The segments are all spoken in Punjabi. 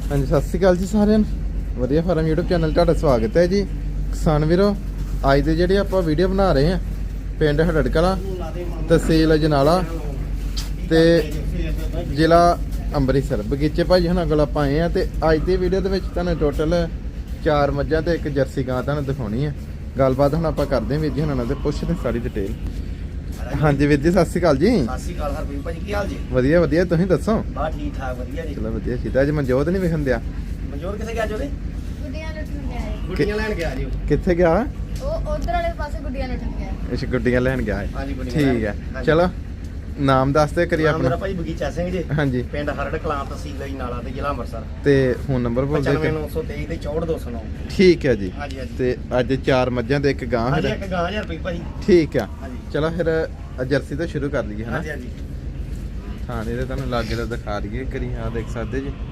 ਹਾਂਜੀ ਸਤਿ ਸ਼੍ਰੀ ਅਕਾਲ ਜੀ ਸਾਰਿਆਂ ਨੂੰ। ਵਧੀਆ ਫਾਰਮ YouTube ਚੈਨਲ ਤੁਹਾਡਾ ਸਵਾਗਤ ਹੈ ਜੀ। ਕਿਸਾਨ ਵੀਰੋ, ਅੱਜ ਦੇ ਜਿਹੜੇ ਆਪਾਂ ਵੀਡੀਓ ਬਣਾ ਰਹੇ ਹਾਂ ਪਿੰਡ ਹੜੜ ਕਲਾਂ, ਤਹਿਸੀਲ ਅਜਨਾਲਾ ਤੇ ਜ਼ਿਲ੍ਹਾ ਅੰਮ੍ਰਿਤਸਰ। ਬਗੀਚੇ ਭਾਜੀ ਹੁਣਾਂ ਕੋਲ ਆਪਾਂ ਆਏ ਆ ਤੇ ਅੱਜ ਦੀ ਵੀਡੀਓ ਦੇ ਵਿੱਚ ਤੁਹਾਨੂੰ ਟੋਟਲ 4 ਮੱਝਾਂ ਤੇ 1 ਜਰਸੀ ਗਾਂ ਤੁਹਾਨੂੰ ਦਿਖਾਉਣੀ ਹੈ। ਗੱਲਬਾਤ ਹੁਣ ਆਪਾਂ ਕਰਦੇ ਹਾਂ ਵੀਰ ਜੀ ਹੁਣਾਂ ਨਾਲ ਤੇ ਪੁੱਛਦੇ ਸਾਰੀ ਡਿਟੇਲ। ਹਾਂਜੀ ਵੀਰ ਜੀ ਸਤਿ ਸ਼੍ਰੀ ਅਕਾਲ ਜੀ। ਸਤਿ ਸ਼੍ਰੀ ਅਕਾਲ ਹਰਪ੍ਰੀਤ ਭਾਜੀ, ਕੀ ਹਾਲ ਜੀ? ਵਧੀਆ ਵਧੀਆ, ਤੁਸੀਂ ਦੱਸੋ? ਬਾ ਠੀਕ ਠਾਕ, ਵਧੀਆ ਜੀ। ਚਲੋ ਵਧੀਆ ਚੀਜ਼। ਅੱਜ ਮਨਜੋਤ ਨਹੀਂ ਵਿਖਣ ਦਿਆ। ਮਨਜੋਤ ਕਿੱਥੇ ਗਿਆ ਜੋਦੇ? ਗੁੱਡੀਆਂ ਲੁੱਟਣ ਗਿਆ ਹੈ। ਗੁੱਡੀਆਂ ਲੈਣ ਗਿਆ ਜੀ ਉਹ। ਕਿੱਥੇ ਗਿਆ? ਉਹ ਉਧਰ ਵਾਲੇ ਪਾਸੇ ਗੁੱਡੀਆਂ ਲੁੱਟਣ ਗਿਆ ਹੈ। ਅੱਛਾ ਗੁੱਡੀਆਂ ਲੈਣ ਗਿਆ ਹੈ। ਹਾਂਜੀ ਗੁੱਡੀਆਂ ਠੀਕ ਹੈ। ਚਲੋ ਨਾਮ ਦੱਸ ਦੇ ਕਰੀ ਮੇਰਾ ਆਪਣਾ। ਭਾਈ ਬਗੀਚਾ ਸਿੰਘ ਜੀ, ਹਾਂਜੀ ਪਿੰਡ ਹਰੜ ਕਲਾਂ, ਤਹਿਸੀਲ ਅਜਨਾਲਾ ਤੇ ਜ਼ਿਲ੍ਹਾ ਅੰਮ੍ਰਿਤਸਰ। ਤੇ ਫੋਨ ਨੰਬਰ ਬੋਲ ਦਿਓ। 95923 ਤੇ 64209। ਠੀਕ ਹੈ ਜੀ। ਹਾਂਜੀ ਹਾਂਜੀ। ਤੇ ਅੱਜ 4 ਮੱਝਾਂ ਤੇ 1 ਗਾਂ ਹਾਂਜੀ ਹੈ। ਇੱਕ ਗਾਂ ਜੀ ਹਰਪ੍ਰੀਤ ਭਾਜੀ। ਠੀਕ ਆ। ਹਾਂਜੀ ਚਲੋ ਫਿਰ ਜਰਸੀ ਤੋਂ ਸ਼ੁਰੂ ਕਰ ਲਈਏ ਹਨਾ। ਹਾਂਜੀ ਹਾਂਜੀ। ਥਾਣੇ ਦੇ ਤੁਹਾਨੂੰ ਲਾਗੇ ਦਾ ਦਿਖਾ ਦਈਏ ਕਰੀ। ਆ ਦੇਖ ਸਕਦੇ ਜੀ।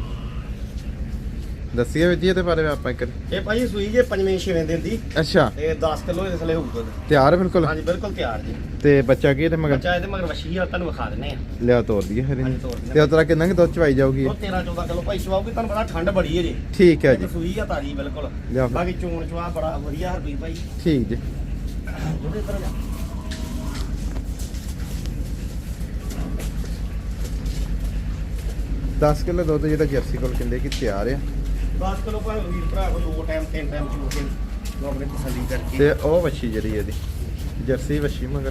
ਦੱਸੀਏ ਵੀਰ ਜੀ ਇਹਦੇ ਬਾਰੇ ਆਪਾਂ ਇੱਕ। ਇਹ ਭਾਜੀ ਸੂਈ ਜੇ 5ਵੇਂ-6ਵੇਂ ਦਿਨ ਦੀ ਅੱਛਾ ਤੇ 10 ਕਿਲੋ ਇਸ ਲਈ ਹੋਊਗਾ। ਤਿਆਰ ਬਿਲਕੁਲ। ਹਾਂਜੀ ਬਿਲਕੁਲ ਤਿਆਰ ਜੀ। ਤੇ ਬੱਚਾ ਕੀ ਇਹਦੇ ਮਗਰ? ਬੱਚਾ ਇਹਦੇ ਮਗਰ ਵਸ਼ੀ ਆ, ਤੁਹਾਨੂੰ ਵਿਖਾ ਦਿੰਨੇ ਆ। ਲਿਆ ਤੋਰ ਦਈਏ ਫਿਰ ਹਾਂਜੀ, ਇਹਨੂੰ। ਤੋਰ ਦਿੰਦੇ ਤੇ ਉਤਰਾ ਕਿੰਨਾ ਕਿ ਦੁੱਧ ਚਵਾਈ ਜਾਊਗੀ? ਉਹ 13-14 ਕਿਲੋ ਭਾਈ ਚਵਾਉਗੀ। ਤੁਹਾਨੂੰ ਪਤਾ ਠੰਡ ਬੜੀ ਹੈ ਜੀ। ਠੀਕ ਹੈ ਜੀ। ਸੂਈ ਆ ਤਾਜੀ ਬਿਲਕੁਲ। ਲਿਆ ਫਿਰ। ਬਾਕੀ ਚੋਣ ਚਵਾ ਬੜਾ ਵਧੀਆ ਹਰਪ੍ਰੀਤ ਭਾਈ। ਠੀਕ ਜੀ। ਉਹਦੇ ਇੱਧਰ ਜਾ। 10 ਕਿਲੋ ਦੁੱਧ ਜਿਹੜਾ ਜਰਸੀ ਕੋਲ ਕਹਿੰਦੇ ਕਿ ਤਿਆਰ ਆ। 10 ਕਿਲੋ ਭਾਵੇਂ ਵੀਰ ਭਰਾ ਕੋ 2 ਟਾਈਮ 3 ਟਾਈਮ ਚੋ ਕੇ ਲੋਕ ਨੇ ਤਸੱਲੀ ਕਰਕੇ। ਤੇ ਉਹ ਵੱਛੀ ਜਿਹੜੀ ਇਹਦੀ ਜਰਸੀ ਵੱਛੀ ਮਗਰ।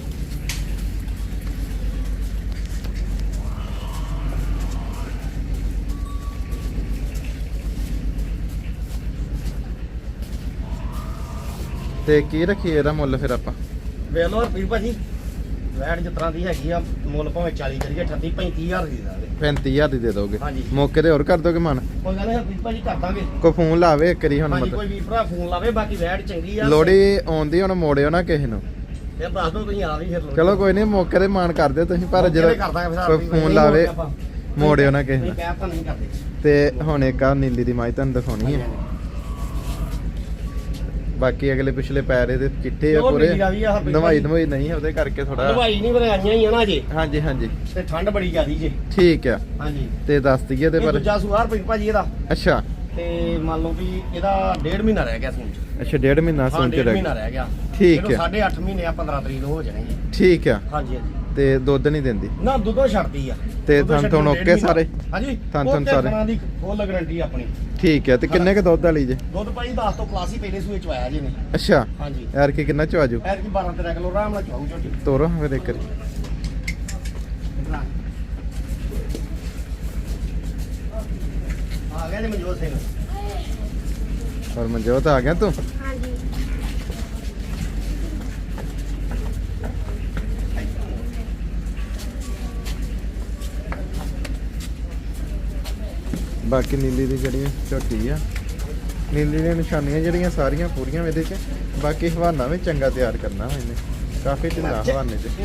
ਤੇ ਕੀ ਰੱਖੀ ਇਹਦਾ ਮੁੱਲ ਫਿਰ ਆਪਾਂ? ਵੇਖ ਲਓ ਹਰਪ੍ਰੀਤ ਭਾਜੀ, ਵੈਟ ਜਿਸ ਤਰ੍ਹਾਂ ਦੀ ਹੈਗੀ ਆ, ਮੁੱਲ ਭਾਵੇਂ 40 ਕਰੀਏ 38-35 ਹਜ਼ਾਰ ਦੀ ਦਾਂਗੇ। 35000 ਦੀ ਦੇ ਦੋਗੇ? ਹਾਂਜੀ। ਮੌਕੇ ਤੇ ਹੋਰ ਕਰ ਦੋਗੇ ਮਨ? ਕੋਈ ਗੱਲ ਨਹੀਂ ਹਰਪ੍ਰੀਤ ਭਾਜੀ, ਕਰ ਦਾਂਗੇ। ਕੋਈ ਫੋਨ ਲਾਵੇ ਇੱਕ ਵਾਰੀ ਹੁਣ ਹਾਂਜੀ ਮਤਲਬ ਕੋਈ ਵੀਰ ਭਰਾ ਫੋਨ ਲਾਵੇ। ਬਾਕੀ ਵੈਟ ਚੰਗੀ ਆ। ਲੋੜੀ ਆਉਂਦੀ ਹੁਣ ਮੋੜਿਓ ਨਾ ਕਿਸੇ ਨੂੰ। ਫਿਰ ਦੱਸ ਦਿਓ ਤੁਸੀਂ ਆ ਵੀ ਫਿਰ ਲੋੜੀ। ਚਲੋ ਕੋਈ ਨਹੀਂ ਮੌਕੇ ਤੇ ਮਾਨ ਕਰ ਦਿਓ ਤੁਸੀਂ, ਪਰ ਜਦੋਂ ਕਰ ਦਾਂਗੇ ਫਿਰ ਕੋਈ ਹਰਪ੍ਰੀਤ ਫੋਨ ਭਾਜੀ, ਲਾਵੇ ਆਪਾਂ। ਮੋੜਿਓ ਨਾ ਕਿਸੇ ਨਹੀਂ ਨੂੰ। ਕਹਿ ਤਾਂ ਨਹੀਂ ਕਰਦੇ। ਤੇ ਹੁਣ ਇੱਕ ਆ ਨੀਲੀ ਦੀ ਮਾਈ ਤੁਹਾਨੂੰ ਦਿਖਾਉਣੀ ਹੈ। ਬਾਕੀ ਅਗਲੇ ਪਿਛਲੇ ਪੈਰ ਇਹਦੇ ਚਿੱਟੇ ਆ ਉਹ ਪੂਰੇ। ਨੀਲੀ ਦਾ ਵੀ ਆ ਹਰਪ੍ਰੀਤ ਦਵਾਈ ਭਾਜੀ। ਦਵਾਈ ਨਹੀਂ ਉਹਦੇ ਕਰਕੇ ਥੋੜਾ। ਦਵਾਈ ਨਹੀਂ ਬਣਾਈਆਂ ਹੀ ਆ ਨਾ ਜੀ। ਹਾਂਜੀ ਹਾਂਜੀ ਤੇ ਠੰਡ ਬੜੀ ਜ਼ਿਆਦੀ ਜੀ। ਠੀਕ ਆ। ਹਾਂਜੀ। ਤੇ ਦੱਸ ਦਈਏ ਤੇ ਇਹ ਪਰ। ਦੂਜਾ ਸੂਆ ਹਰਪ੍ਰੀਤ ਭਾਜੀ ਇਹਦਾ। ਅੱਛਾ ਤੇ ਮੰਨ ਲਓ ਵੀ ਇਹਦਾ 1.5 ਮਹੀਨਾ ਰਹਿ ਗਿਆ ਸੂਣ ਚ। ਅੱਛਾ 1.5 ਮਹੀਨਾ ਹਾਂ ਸੁਣ ਕੇ 1.5 ਰਹਿ ਮਹੀਨਾ ਗਿਆ। ਰਹਿ ਗਿਆ। ਠੀਕ ਇਹਨੂੰ ਹੈ। 8.5 ਮਹੀਨੇ ਆ 15 ਤਰੀਕ ਨੂੰ ਹੋ ਜਾਣਗੇ। ਠੀਕ ਆ। ਹਾਂਜੀ ਹਾਂਜੀ। ਤੇ ਦੁੱਧ ਨਹੀਂ ਦਿੰਦੀ? ਨਾ ਦੁੱਧੋਂ ਛੱਡਦੀ ਆ। ਤੇ ਦੁੱਧੋਂ ਥਣ ਛੱਡਣ ਥਣ ਡੇਢ ਓਕੇ ਮਹੀਨਾ। ਸਾਰੇ? ਹਾਂਜੀ ਥਣ ਉਹ ਤੇ ਸਾਰੇ? ਥਣਾਂ ਦੀ ਫੁੱਲ ਗਾਰੰਟੀ ਆਪਣੀ। ਠੀਕ ਹੈ। ਤੇ ਕਿੰਨੇ ਕ ਦੁੱਧ ਵਾਲੀ ਜੇ? ਦੁੱਧ ਭਾਈ 10 ਤੋਂ ਪਲੱਸ ਹੀ ਪਹਿਲੇ ਸੂਏ ਚ ਆਇਆ ਜੀ ਨੇ। ਅੱਛਾ ਹਾਂਜੀ। ਯਾਰ ਕੀ ਕਿੰਨਾ ਚ ਆਜੂ? ਐਰ ਕੀ 12-13 ਕਿਲੋ ਆਰਾਮ ਨਾਲ ਚਵਾਉ ਝੋਟੀ। ਤੋਰੋ ਫਿਰ ਇੱਕ ਵਾਰੀ। ਆ ਗਿਆ ਜੀ ਮਨਜੋਤ ਸਿੰਘ। ਔਰ ਮਨਜੋਤ ਆ ਗਿਆ ਤੂੰ? ਹਾਂਜੀ। ਬਾਕੀ ਨੀਲੀ ਦੀ ਜਿਹੜੀਆਂ ਝੋਟੀ ਆ, ਨੀਲੀ ਦੀਆਂ ਨਿਸ਼ਾਨੀਆਂ ਜਿਹੜੀਆਂ ਸਾਰੀਆਂ ਪੂਰੀਆਂ ਇਹਦੇ 'ਚ। ਬਾਕੀ ਹਵਾਨਾ ਵੀ ਚੰਗਾ ਤਿਆਰ ਕਰਨਾ ਵਾ ਇਹਨੇ, ਕਾਫੀ ਢਿੱਲਾ ਹਵਾਨੇ 'ਚ।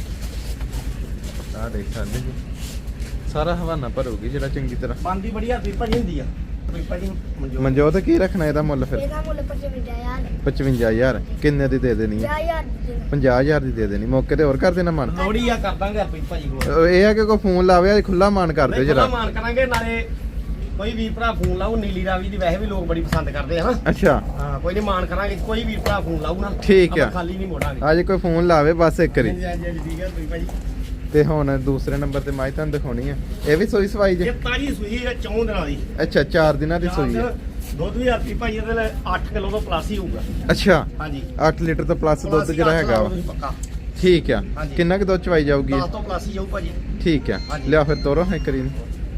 ਆਹ ਦੇਖ ਸਕਦੇ ਜੀ, ਸਾਰਾ ਹਵਾਨਾ ਭਰੂਗੀ ਜਿਹੜਾ ਚੰਗੀ ਤਰ੍ਹਾਂ। ਬੰਦੀ ਬੜੀ ਹਰਪ੍ਰੀਤ ਭਾਜੀ ਹੁੰਦੀ ਆ। ਹਰਪ੍ਰੀਤ ਭਾਜੀ ਮਨਜੋਤ ਕੀ ਰੱਖਣਾ ਇਹਦਾ ਮੁੱਲ ਫਿਰ? ਇਹਦਾ ਮੁੱਲ 55,000 55000 ਕਿੰਨੇ ਦੀ ਦੇ ਦੇਣੀ ਹੈ? 50,000 50000 ਦੀ ਦੇ ਦੇਣੀ। ਮੌਕੇ ਤੇ ਹੋਰ ਕਰ ਦੇਣਾ ਮਨ? ਲੋੜੀ ਆ, ਕਰ ਦਾਂਗੇ ਹਰਪ੍ਰੀਤ ਭਾਜੀ ਕੋਲ। ਇਹ ਆ ਕਿ ਕੋਈ ਫੋਨ ਲਾਵੇ ਖੁੱਲਾ ਮਾਨ ਕਰ ਦਿਓ ਨਹੀਂ, ਜਰਾ। ਖੁੱਲ੍ਹਾ ਮਾਨ ਕਰਾਂਗੇ। ਨਾਲੇ ਕੋਈ ਵੀਰ ਭਰਾ ਫੋਨ ਲਾਊ, ਨੀਲੀ ਰਾਵੀ ਦੀ ਵੈਸੇ ਵੀ ਲੋਕ ਬੜੀ ਪਸੰਦ ਕਰਦੇ ਆ। ਅੱਛਾ ਹਾਂ ਕੋਈ ਨਹੀਂ ਮਾਨ ਕਰਾਂਗੇ। ਕੋਈ ਵੀਰ ਭਰਾ ਫੋਨ ਲਾਊ ਨਾ, ਠੀਕ ਆ। ਆਪਾਂ ਖਾਲੀ ਨਹੀਂ ਮੋੜਾਂਗੇ। ਅੱਜ ਕੋਈ ਫੋਨ ਲਾਵੇ ਬਸ ਇੱਕ ਵਾਰੀ। ਹਾਂਜੀ ਹਾਂਜੀ ਠੀਕ ਹੈ ਹਰਪ੍ਰੀਤ ਭਾਜੀ। ਤੇ ਹੁਣ ਦੂਸਰੇ ਨੰਬਰ ਤੇ ਮਾਈ ਤੁਹਾਨੂੰ ਦਿਖਾਉਣੀ ਹੈ। ਇਹ ਵੀ ਸੋਈ ਸਵਾਈ ਜੇ? ਇਹ ਤਾਜੀ ਸੂਈ ਹੈ 4 ਦਿਨਾਂ ਦੀ। ਅੱਛਾ 4 ਦਿਨਾਂ ਦੀ ਸੂਈ ਹੈ। ਦੁੱਧ ਵੀ ਹਰਪ੍ਰੀਤ ਭਾਜੀ ਇਹਦੇ ਲਈ 8 ਕਿਲੋ ਤੋਂ ਪਲੱਸ ਹੀ ਹੋਊਗਾ। ਅੱਛਾ ਹਾਂਜੀ 8 ਲੀਟਰ ਤੋਂ ਪਲੱਸ ਦੁੱਧ ਜਿਹੜਾ ਹੈਗਾ ਵਾ। ਪੱਕਾ। ਠੀਕ ਆ। ਹਾਂਜੀ। ਕਿੰਨਾ ਕੁ ਦੁੱਧ ਚਵਾਈ ਜਾਊਗੀ? 10 ਤੋਂ ਪਲੱਸ ਹੀ ਜਾਊ ਭਾਜੀ। ਠੀਕ ਆ। ਹਾਂਜੀ। ਲਿਆ ਫਿਰ ਤੋਰੋ ਇੱਕ ਵਾਰੀ।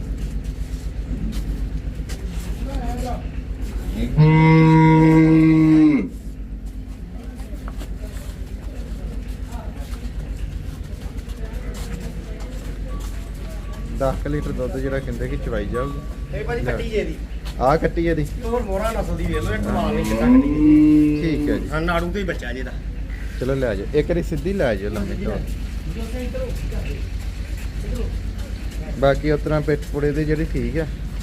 ਦਸ ਕੁ ਲੀਟਰ ਦੁੱਧ ਜਿਹੜਾ ਕਹਿੰਦੇ ਕਿ ਚਵਾਈ ਜਾਊਗੀ। ਇਹ ਭਾਜੀ ਕੱਟੀ ਜੇ ਦੀ। ਆਹ ਕੱਟੀ ਇਹਦੀ? ਹੋਰ ਮੋਹਰਾ ਨਸਲ ਦੀ ਵੇਖ ਲਓ, ਇਹ ਕਮਾਲ ਨਹੀਂ ਕਿੱਦਾਂ ਕੱਟੀ ਦੀ। ਠੀਕ ਹੈ ਜੀ। ਹਾਂ ਨਾੜੂ ਤੇ ਹੀ ਬੱਚਾ ਜੀ ਇਹਦਾ। ਚਲੋ ਲੈ ਜਾਓ ਇੱਕ ਵਾਰੀ ਸਿੱਧੀ ਲੈ ਜਾਓ ਲੰਮੀ ਤੋਂ। ਬਾਕੀ ਉਸ ਤਰ੍ਹਾਂ ਪਿੱਠ ਪੁੜੇ ਦੀ ਜਿਹੜੀ ਠੀਕ ਆ।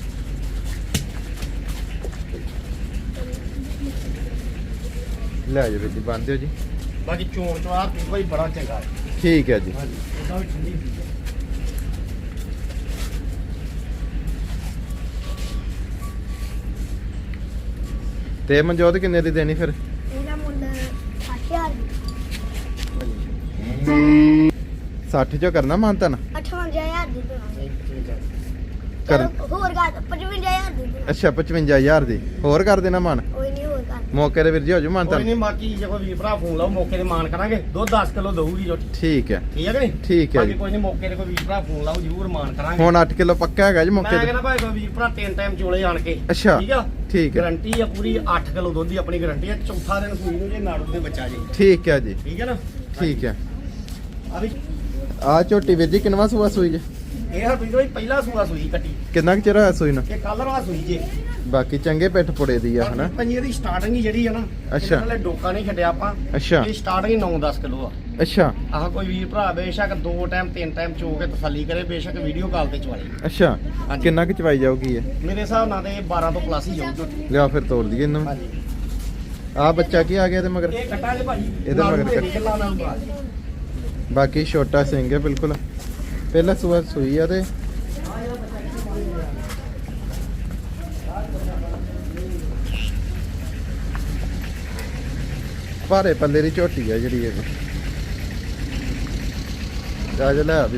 ਲੈ ਜਾਓ ਵੀਰ ਜੀ, ਬੰਦ ਦਿਓ ਜੀ। ਬਾਕੀ ਚੋਣ ਚਵਾਰ ਭਾਈ ਬੜਾ ਚੰਗਾ ਹੈ। ਠੀਕ ਹੈ ਜੀ। ਹਾਂਜੀ ਉਹਦਾ ਵੀ ਠੰਡੀ ਹੁੰਦੀ ਹੈ। ਤੇ ਮਨਜੋਤ ਕਿੰਨੇ ਦੀ ਦੇਣੀ ਫਿਰ? ਇਹਦਾ ਮੁੱਲ 60,000 60 ਚੋਂ ਕਰਨਾ ਮਾਨਤਾ ਨਾ 58,000 ਦੀ ਦੇਵਾਂਗੇ ਕਰ ਚਲੋ ਹੋਰ ਕਰ 55,000 ਦੀ ਦੇਵਾਂਗੇ। ਅੱਛਾ 55,000 ਦੀ ਹੋਰ ਕਰ ਦੇਣਾ ਮਾਨ ਕੋਈ ਨਹੀਂ ਹੋਰ ਕਰ ਮੌਕੇ ਦੇ ਵੀਰ ਜੀ ਹੋ ਜੂ ਮਾਨਤਾ ਕੋਈ ਨਹੀਂ ਬਾਕੀ ਜੇ ਕੋਈ ਵੀਰ ਭਰਾ ਫੋਨ ਲਾਓ ਮੌਕੇ ਤੇ ਮਾਨ ਕਰਾਂਗੇ ਦੁੱਧ 10 ਕਿਲੋ ਦਊਗੀ ਝੋਟੀ ਠੀਕ ਹੈ ਠੀਕ ਹੈ ਕਿ ਨਹੀਂ ਠੀਕ ਹੈ ਬਾਕੀ ਜੀ ਕੋਈ ਨਹੀਂ ਮੌਕੇ ਤੇ ਕੋਈ ਵੀਰ ਭਰਾ ਫੋਨ ਲਾਓ ਜ਼ਰੂਰ ਮਾਨ ਕਰਾਂਗੇ ਹੁਣ 8 ਕਿਲੋ ਪੱਕਾ ਹੈਗਾ ਜੀ ਮੈਂ ਮੌਕੇ ਤੇ ਕਹਿੰਦਾ ਭਾਈ ਕੋਈ ਵੀਰ ਭਰਾ 3 ਟਾਈਮ ਚੋਲੇ ਆਣ ਕੇ ਅੱਛਾ ਠੀਕ ਆ ਠੀਕ ਹੈ ਗਾਰੰਟੀ ਆ ਪੂਰੀ 8 ਕਿਲੋ ਦੁੱਧ ਦੀ ਆਪਣੀ ਗਾਰੰਟੀ ਆ ਚੌਥਾ ਦਿਨ ਸੂਈ ਨੂੰ ਜੇ ਨਾੜੂ ਦੇ ਬੱਚਾ ਜੀ ਠੀਕ ਹੈ ਜੀ ਠੀਕ ਹੈ ਨਾ ਠੀਕ ਹੈ ਆ ਵੀ ਆ ਝੋਟੀ ਵੀਰ ਜੀ ਕਿੰਨਵਾ ਸੂਆ ਸੂਈ ਜੀ? ਇਹ ਹਰਪ੍ਰੀਤ ਭਾਈ ਪਹਿਲਾ ਸੂਆ ਸੂਈ ਕੱਟੀ ਕਿੰਨਾ ਕੁ ਚਿਰ ਹੋਇਆ ਸੂਈ ਨੂੰ? ਇਹ ਕੱਲ ਰਾ ਸੂਈ ਜੇ ਬਾਕੀ ਚੰਗੇ ਪਿੱਠ ਪੁੜੇ ਦੀ ਆ ਹਨਾ ਪੰਜੀ ਦੀ ਸਟਾਰਟਿੰਗ ਹੀ ਜਿਹੜੀ ਆ ਨਾ ਅੱਛਾ। ਇਹਦੇ ਡੋਕਾ ਨਹੀਂ ਛੱਡਿਆ ਆਪਾਂ ਅੱਛਾ ਇਹ ਸਟਾਰਟਿੰਗ 9-10 ਕਿਲੋ ਆ ਅੱਛਾ ਆਹ ਕੋਈ ਵੀਰ ਭਰਾ ਬੇਸ਼ੱਕ 2 ਟਾਈਮ 3 ਟਾਈਮ ਚੋ ਕੇ ਤਸੱਲੀ ਕਰੇ ਬੇਸ਼ੱਕ ਵੀਡੀਓ ਕਾਲ ਤੇ ਚਵਾਲੇ ਅੱਛਾ ਹਾਂਜੀ। ਕਿੰਨਾ ਕੁ ਚਵਾਈ ਜਾਊਗੀ ਇਹ? ਮੇਰੇ ਹਿਸਾਬ ਨਾਲ ਤੇ 12 ਤੋਂ ਪਲੱਸ ਹੀ ਜਾਊ ਝੋਟੀ ਲਿਆ ਫਿਰ ਤੋੜ ਦਈਏ ਇਹਨੂੰ ਹਾਂਜੀ ਆ ਬੱਚਾ ਕੀ ਆ ਗਿਆ ਤੇ ਮਗਰ ਇਹ ਕੱਟਾ ਜੇ ਭਾਜੀ ਇਹਦੇ ਮਗਰ ਨਾਲ ਕੱਟ। ਕਿੱਲਾ ਨਾਲ ਬਾਅਦ ਬਾਕੀ ਛੋਟਾ ਸਿੰਘ ਹੈ ਬਿਲਕੁਲ ਪਹਿਲਾ ਸੂਆ ਸੂਈ ਆ ਤੇ ਭਾਰੇ ਪੱਲੇ ਦੀ ਝੋਟੀ ਆ ਜਿਹੜੀ ਇਹ ਜਾ ਲੈ ਆ ਵੀ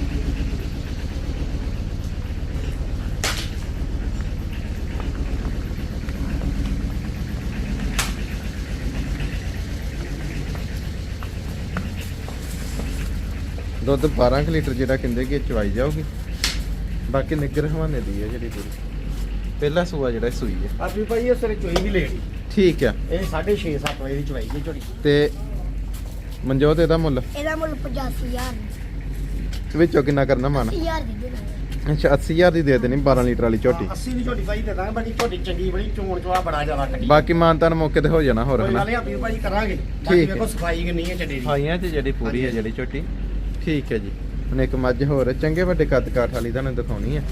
ਦੁੱਧ 12 ਕੁ ਲੀਟਰ ਜਿਹੜਾ ਕਹਿੰਦੇ ਕਿ ਚਵਾਈ ਜਾਊਗੀ ਬਾਕੀ ਨਿੱਗਰ ਹਵਾਨੇ ਦੀ ਹੈ ਜਿਹੜੀ ਪੂਰੀ ਪਹਿਲਾ ਸੂਆ ਜਿਹੜਾ ਸੂਈ ਹੈ ਆ ਵੀ ਭਾਈ ਇਹ ਸਵੇਰੇ ਚੋਈ ਵੀ ਲੇਟ ਠੀਕ ਆ ਇਹ 6:30-7 ਵਜੇ ਦੀ ਚਵਾਈ ਜੀ ਝੋਟੀ ਤੇ ਮਨਜੋਤ ਇਹਦਾ ਮੁੱਲ ਇਹਦਾ ਮੁੱਲ 85,000 ਵਿੱਚੋਂ ਕਿੰਨਾ ਕਰਨਾ ਮਨ 80,000 ਦੀ ਦੇਵਾਂਗੇ ਅੱਛਾ 80,000 ਦੀ ਦੇ ਦੇਣੀ 12 ਲੀਟਰ ਵਾਲੀ ਝੋਟੀ 80 ਦੀ ਝੋਟੀ ਭਾਈ ਦੇ ਦਾਂਗੇ ਬਾਕੀ ਝੋਟੀ ਚੰਗੀ ਬੜੀ ਚੋਣ ਚਵਾ ਬੜਾ ਜ਼ਿਆਦਾ ਕੱਟੀ ਬਾਕੀ ਮਾਨਤਾਨ ਮੌਕੇ ਤੇ ਹੋ ਜਾਣਾ ਹੋਰ ਕੋਈ ਹਨਾ ਗੱਲ ਨਹੀਂ ਆਪੀ ਭਾਜੀ ਕਰਾਂਗੇ ਠੀਕ ਬਾਕੀ ਹੈ। ਵੇਖੋ ਸਫਾਈ ਕਿੰਨੀ ਹੈ ਚੱਡੇ ਦੀ ਖਾਈਆਂ 'ਚ ਜਿਹੜੀ ਪੂਰੀ ਹੈ ਜਿਹੜੀ ਝੋਟੀ ਠੀਕ ਹੈ ਜੀ ਹੁਣ ਇੱਕ ਮੱਝ ਹੋਰ ਚੰਗੇ ਵੱਡੇ ਕੱਦ ਕਾਠ ਵਾਲੀ ਤੁਹਾਨੂੰ ਦਿਖਾਉਣੀ ਹੈ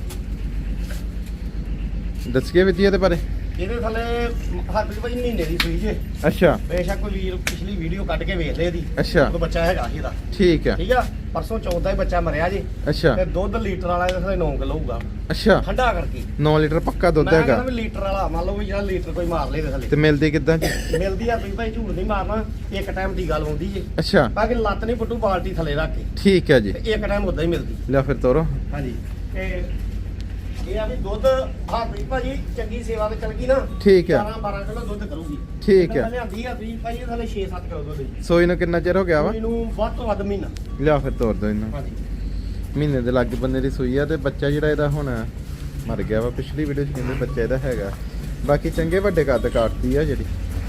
ਦੱਸੀਏ ਵਿਧੀ ਇਹਦੇ ਬਾਰੇ ਇਹਦੇ ਥੱਲੇ ਹਰਪ੍ਰੀਤ ਭਾਜੀ ਮਹੀਨੇ ਦੀ ਸੂਈ ਜੇ ਅੱਛਾ ਬੇਸ਼ੱਕ ਕੋਈ ਵੀਰ ਪਿਛਲੀ ਵੀਡੀਓ ਕੱਢ ਕੇ ਵੇਖ ਲੈ ਇਹਦੀ ਅੱਛਾ ਕੋਈ ਬੱਚਾ ਹੈਗਾ ਸੀ ਇਹਦਾ ਠੀਕ ਹੈ ਠੀਕ ਆ ਪਰਸੋਂ 14 ਹੀ ਬੱਚਾ ਮਰਿਆ ਜੇ ਅੱਛਾ ਤੇ ਦੁੱਧ ਲੀਟਰ ਵਾਲਾ ਇਹਦੇ ਥੱਲੇ 9 ਕਿਲੋ ਹੋਊਗਾ ਅੱਛਾ ਠੰਡਾ ਕਰਕੇ 9 ਲੀਟਰ ਪੱਕਾ ਦੁੱਧ ਮੈਂ ਹੈਗਾ ਕਹਿੰਦਾ ਵੀ ਲੀਟਰ ਵਾਲਾ ਮੰਨ ਲਓ ਵੀ ਜਿਹੜਾ ਲੀਟਰ ਕੋਈ ਮਾਰ ਲੇ ਇਹਦੇ ਤੇ ਥੱਲੇ ਮਿਲਦੀ ਕਿੱਦਾਂ ਜੀ ਮਿਲਦੀ ਆ ਭਾਈ ਝੂਠ ਨਹੀਂ ਮਾਰਨਾ ਇੱਕ ਟਾਈਮ ਦੀ ਗੱਲ ਹੁੰਦੀ ਜੇ ਅੱਛਾ ਬਾਕੀ ਲੱਤ ਨਹੀਂ ਪੁੱਟੂ ਬਾਲਟੀ ਥੱਲੇ ਰੱਖ ਕੇ ਠੀਕ ਹੈ ਜੀ ਤੇ ਇੱਕ ਟਾਈਮ ਉਦਾਂ ਹੀ ਮਿਲਦੀ ਲੈ ਫਿਰ ਤੋਰੋ ਹਾਂਜੀ ਤੇ ਇਹ ਆ ਵੀ ਦੁੱਧ ਹਰਪ੍ਰੀਤ ਭਾਜੀ ਚੰਗੀ ਸੇਵਾ ਤੇ ਚੱਲ ਗਈ ਨਾ ਠੀਕ ਹੈ 12 ਕਿਲੋ ਦੁੱਧ ਕਰੂਗੀ ਠੀਕ ਹੈ। ਲਿਆਂਦੀ ਹਰਪ੍ਰੀਤ ਭਾਜੀ ਇਹ ਥੱਲੇ 6-7 ਕਿਲੋ ਦੁੱਧ ਜੀ ਸੋਈ ਨੂੰ ਕਿੰਨਾ ਚਿਰ ਹੋ ਗਿਆ ਵਾ ਇਹਨੂੰ ਵੱਧ ਤੋਂ ਵੱਧ ਮਹੀਨਾ ਲਿਆ ਫਿਰ ਤੋਰ ਦੋ ਇਹਨੂੰ ਹਾਂਜੀ ਮਹੀਨੇ ਦੇ ਲਾਗੇ ਬੰਦੇ ਦੀ ਸੂਈ ਆ ਤੇ ਬੱਚਾ ਜਿਹੜਾ ਇਹਦਾ ਹੁਣ ਮਰ ਗਿਆ ਵਾ ਪਿਛਲੀ ਵੀਡੀਓ 'ਚ ਕਹਿੰਦੇ ਬੱਚਾ ਇਹਦਾ ਹੈਗਾ ਬਾਕੀ ਚੰਗੇ ਵੱਡੇ ਕੱਦ ਕਾਟਦੀ ਆ ਜਿਹੜੀ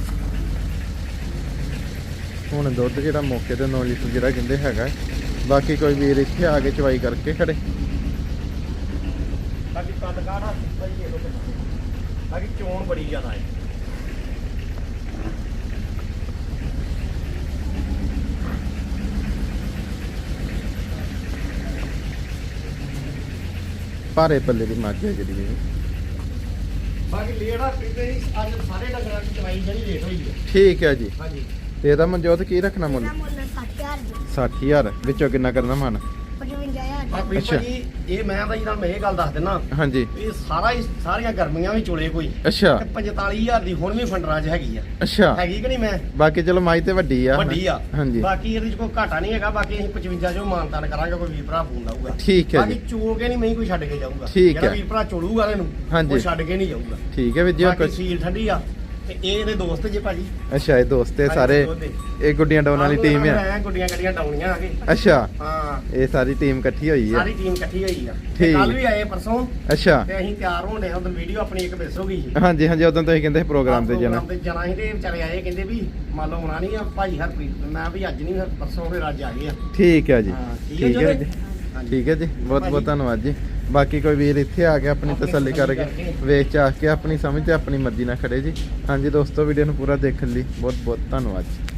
ਹੁਣ ਦੁੱਧ ਜਿਹੜਾ ਮੌਕੇ ਤੇ 9 ਲੀਟਰ ਜਿਹੜਾ ਕਹਿੰਦੇ ਹੈਗਾ ਬਾਕੀ ਕੋਈ ਵੀਰ ਇੱਥੇ ਆ ਕੇ ਚਵਾਈ ਕਰਕੇ ਖੜੇ ਬਾਕੀ ਕੱਦ ਕਾਠਾ ਭਾਜੀ ਇਹ ਲੋ ਬਾਕੀ ਚੋਣ ਬੜੀ ਜ਼ਿਆਦਾ ਹੈ ਭਾਰੇ ਪੱਲੇ ਦੀ ਮੱਝ ਹੈ ਜਿਹੜੀ ਇਹ। ਬਾਕੀ ਲੇੜਾ ਪਿੱਛੇ ਅੱਜ ਸਾਰੇ ਡੰਗਰਾਂ ਦੀ ਚਵਾਈ ਜਿਹੜੀ ਲੇਟ ਹੋਈ ਹੈ ਠੀਕ ਹੈ ਜੀ ਹਾਂਜੀ ਤੇ ਇਹਦਾ ਮਨਜੋਤ ਕੀ ਰੱਖਣਾ ਮੁੱਲ ਇਹਦਾ ਮੁੱਲ 60,000 ਦੀ 60000 ਵਿੱਚੋਂ ਕਿੰਨਾ ਕਰਨਾ ਮਨ 55,000 ਆਪਣੀ ਅੱਛਾ। ਭਾਜੀ ਇਹ ਮੈਂ ਤਾਂ ਇਹਨਾਂ ਨੂੰ ਇਹ ਗੱਲ ਦੱਸ ਦਿੰਦਾ ਹਾਂਜੀ ਇਹ ਸਾਰੀਆਂ ਗਰਮੀਆਂ ਵੀ ਚੁਲੇ ਕੋਈ ਅੱਛਾ ਤੇ 45,000 ਦੀ ਹੁਣ ਵੀ ਫੰਡਰਾਂ 'ਚ ਹੈਗੀ ਆ ਅੱਛਾ ਹੈਗੀ ਕਿ ਨਹੀਂ ਮੈਂ ਬਾਕੀ ਚਲੋ ਮਾਈ ਤੇ ਵੱਡੀ ਆ ਵੱਡੀ ਆ ਹਾਂਜੀ ਬਾਕੀ ਇਹਦੇ 'ਚ ਕੋਈ ਘਾਟਾ ਨਹੀਂ ਹੈਗਾ ਬਾਕੀ ਅਸੀਂ 55 ਜੋ ਮਾਨਤਾਨ ਕਰਾਂਗੇ ਕੋਈ ਵੀਰ ਭਰਾ ਫੋਨ ਲਾਊਗਾ ਠੀਕ ਹੈ ਬਾਕੀ ਜੀ ਚੋ ਕੇ ਨਹੀਂ ਮੈਂ ਕੋਈ ਛੱਡ ਕੇ ਜਾਊਗਾ ਠੀਕ ਜਿਹੜਾ ਹੈ। ਵੀਰ ਭਰਾ ਚੋੜੂਗਾ ਇਹਨੂੰ ਹਾਂਜੀ। ਉਹ ਛੱਡ ਕੇ ਨਹੀਂ ਜਾਊਗਾ ਠੀਕ ਹੈ ਵੀਰ ਜੀ ਬਾਕੀ ਕੁਛ ਸੀਲ ਠੰਡੀ ਆ ਤੇ ਇਹ ਇਹਦੇ ਦੋਸਤ ਜੇ ਭਾਜੀ ਅੱਛਾ ਇਹ ਦੋਸਤ ਇਹ ਸਾਰੇ ਇਹ ਗੁੱਡੀਆਂ ਡਾਉਣ ਵਾਲੀ ਟੀਮ ਆ ਮੈਂ ਗੁੱਡੀਆਂ ਗੱਡੀਆਂ ਡਾਉਣੀਆਂ ਆ ਕੇ ਅੱਛਾ ਹਾਂ ਇਹ ਸਾਰੀ ਟੀਮ ਇਕੱਠੀ ਹੋਈ ਆ ਸਾਰੀ ਟੀਮ ਇਕੱਠੀ ਹੋਈ ਆ ਠੀਕ। ਕੱਲ ਵੀ ਆਏ ਪਰਸੋਂ ਅੱਛਾ ਤੇ ਅਸੀਂ ਤਿਆਰ ਹੋਣ ਦੇ ਉਦੋਂ ਵੀਡੀਓ ਆਪਣੀ ਇੱਕ ਮਿਸ ਹੋ ਗਈ ਸੀ ਹਾਂਜੀ ਹਾਂਜੀ ਉਦੋਂ ਤੁਸੀਂ ਕਹਿੰਦੇ ਸੀ ਪ੍ਰੋਗਰਾਮ ਤੇ ਜਾਣਾ ਪ੍ਰੋਗਰਾਮ ਤੇ ਜਾਣਾ ਸੀ ਤੇ ਵਿਚਾਰੇ ਆਏ ਕਹਿੰਦੇ ਵੀ ਮੰਨ ਲਓ ਆਉਣਾ ਨਹੀਂ ਆ ਭਾਈ ਹਰਪ੍ਰੀਤ ਮੈਂ ਵੀ ਅੱਜ ਨਹੀਂ ਪਰਸੋਂ ਫਿਰ ਅੱਜ ਆ ਗਏ ਆ ਠੀਕ ਹੈ ਜੀ ਹਾਂ, ਠੀਕ ਠੀਕ ਹੈ ਹੈ ਜੀ। ਜੀ ਹਾਂਜੀ। ਠੀਕ ਹੈ ਜੀ ਬਹੁਤ ਬਹੁਤ ਧੰਨਵਾਦ ਜੀ ਬਾਕੀ ਕੋਈ ਵੀਰ ਇੱਥੇ ਆ ਕੇ ਆਪਣੀ ਤਸੱਲੀ ਕਰਕੇ ਵੇਚ ਚਾਹ ਕੇ ਆਪਣੀ ਸਮਝ ਤੇ ਆਪਣੀ ਮਰਜ਼ੀ ਨਾਲ ਖੜੇ ਜੀ ਹਾਂਜੀ ਦੋਸਤੋ ਵੀਡੀਓ ਨੂੰ ਪੂਰਾ ਦੇਖਣ ਲਈ ਬਹੁਤ ਬਹੁਤ ਧੰਨਵਾਦ ਜੀ